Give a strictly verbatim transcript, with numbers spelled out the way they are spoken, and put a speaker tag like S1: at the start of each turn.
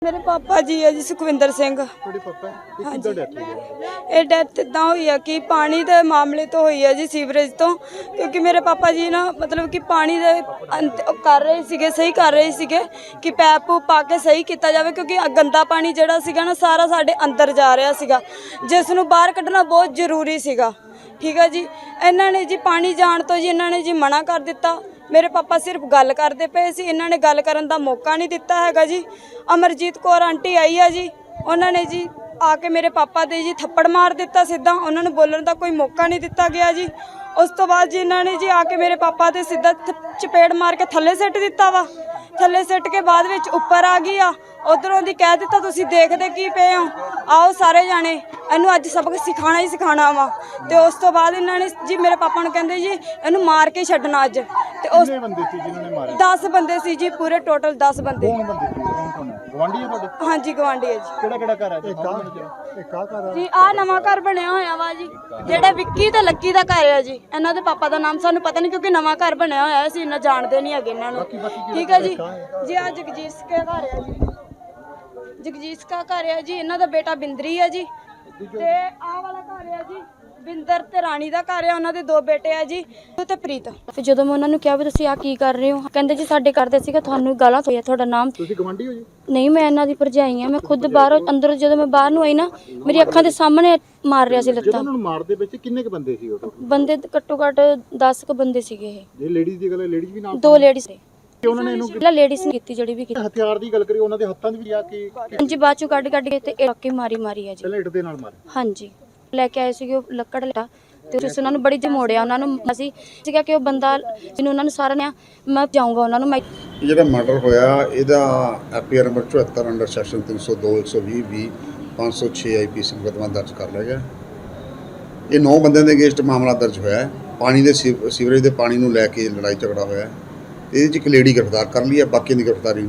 S1: मेरे पापा जी है जी सुखविंदर सिंह। हाँ जी ये डेथ इदा हुई है कि पानी के मामले तो हुई है जी सीवरेज तो, क्योंकि मेरे पापा जी ना मतलब कि पानी दे कर रहे सीगे सही कर रहे सीगे कि पैप पूप पा के सही किया जाए, क्योंकि गंदा पानी जिहड़ा सीगा ना सारा साडे अंदर जा रहा सीगा, जिस नूं बाहर कढ़ना बहुत जरूरी सीगा। ठीक है जी, इन्हों ने जी पानी जाण तो जी इन्होंने जी मना कर दिता। मेरे पापा सिर्फ गल करते पे सी, इन्होंने गल करन दा मौका नहीं दिता हैगा जी। अमरजीत कौर आंटी आई है जी, उन्होंने जी आके मेरे पापा दे जी थप्पड़ मार दिता सीधा, उन्होंने बोलने का कोई मौका नहीं दिता गया जी। उस तो बाद जी इन्होंने जी आके मेरे पापा दे सीधा चपेड़ मार के थले सिट दिता वा। थले सिट के बाद विच उपर आ गई आ, उधरों दी कह दिता तुसीं देखदे की पे हो, आओ सारे जाने इनू अज सबक सिखाना ही सिखाना वा। तो उस तो बाद इन्होंने जी मेरे पापा नूं कहंदे जी इनू मार के छड्डना अज। ते उस दस बंदे सी जी, पूरे टोटल दस बंदे। हाँ जी गवांढी है जी। जी आ नवां घर बनया होया वा जी, जेड़ा विक्की ते लक्की दा घर है जी। इन्हां दे पापा दा नाम सानूं पता नहीं, क्योंकि नवां घर बनया होया असीं इन्ना जाणदे नहीं हैगे इन्हां नूं। ठीक है जी। जी आ जगजीत के घर है जी, जगजीत का घर है जी, इन्हां दा बेटा बिंदरी है जी। ते आ वाला घर है जी बिंदर ते राणी दा घर है, उन्हां दे दो बेटे है जी ते प्रीत। फिर जदों मैं उन्हां नूं कहा भी तुसीं आ की कर रहे हो, कहंदे जी साडे घर दे सीगा तुहानूं गालां होई तुहाडा नाम। तुसीं गवांढी हो जी? नहीं मैं इन्हां दी भरजाई हां, मैं खुद बाहर अंदर जदों मैं बाहर नूं आई ना मेरी अखां दे सामने मार रिहा सी लत्तां।
S2: ਜਦੋਂ ਮਾਰਦੇ ਵਿੱਚ ਕਿੰਨੇ ਕ ਬੰਦੇ ਸੀ ਉਹ?
S1: ਬੰਦੇ ਘੱਟੋ ਘੱਟ दस ਕ ਬੰਦੇ ਸੀਗੇ ਇਹ।
S2: ਜੇ ਲੇਡੀਜ਼ ਦੀ ਗੱਲ ਹੈ, ਲੇਡੀਜ਼ ਵੀ ਨਾਲ
S1: ਦੋ ਲੇਡੀਜ਼ ਸੀ।
S2: ਉਹਨਾਂ ਨੇ ਇਹਨੂੰ
S1: ਪਹਿਲਾਂ ਲੇਡੀਜ਼ ਨੇ ਕੀਤੀ ਜਿਹੜੀ ਵੀ ਕੀਤੀ।
S2: ਹਥਿਆਰ ਦੀ ਗੱਲ ਕਰੀ ਉਹਨਾਂ ਦੇ ਹੱਥਾਂ 'ਚ ਵੀ ਆ ਕੇ
S1: ਹਾਂਜੀ ਬਾਅਦ ਚੋਂ ਕੱਢ ਕੱਢ ਕੇ ਤੇ ਇਹ ਕੇ ਮਾਰੀ ਮਾਰੀ ਹੈ ਜੀ।
S2: ਪਹਿਲਾਂ ਇੱਟ ਦੇ ਨਾਲ ਮਾਰੇ।
S1: ਹਾਂਜੀ ਲੈ ਕੇ ਆਏ ਸੀਗੇ ਉਹ ਲੱਕੜ ਲਟਾ ਤੇ ਉਸ ਉਹਨਾਂ ਨੂੰ ਬੜੀ ਜਮੋੜਿਆ ਉਹਨਾਂ ਨੂੰ। ਅਸੀਂ ਸੀਗਾ ਕਿ ਉਹ ਬੰਦਾ ਜਿਹਨੂੰ ਉਹਨਾਂ ਨੂੰ ਸਾਰਿਆਂ ਨੇ ਮੈਂ ਜਾਊਂਗਾ ਉਹਨਾਂ ਨੂੰ। ਮੈਂ
S3: ਜਿਹੜਾ ਮਰਡਰ ਹੋਇਆ ਇਹਦਾ ਐਫਆਈਆਰ ਨੰਬਰ ਚੁਹੱਤਰ ਅੰਡਰ ਸੈਕਸ਼ਨ ਤਿੰਨ ਸੌ ਦੋ ਇੱਕ ਸੌ ਵੀਹ ਵੀਹ ਪੰਜ ਸੌ ਛੇ ਆਈਪੀਸੀ ਮੁਕੱਦਮਾ ਦਰਜ ਕਰ ਲਿਆ ਗਿਆ। ਇਹ ਨੌ ਬੰਦਿਆਂ ਦੇ ਅਗੇਂਸਟ ਮਾਮਲਾ ਦਰਜ ਹੋਇਆ ਹੈ। ਪਾਣੀ ਦੇ ਸੀਵਰੇਜ ਦੇ ਪਾਣੀ ਨੂੰ ਲੈ ਕੇ ਲੜਾਈ ਝਗੜਾ ਹੋਇਆ। ਇਹਦੇ 'ਚ ਇੱਕ ਲੇਡੀ ਗ੍ਰਿਫਤਾਰ ਕਰ ਲਈ ਹੈ, ਬਾਕੀ ਦੀ ਗ੍ਰਿਫਤਾਰੀ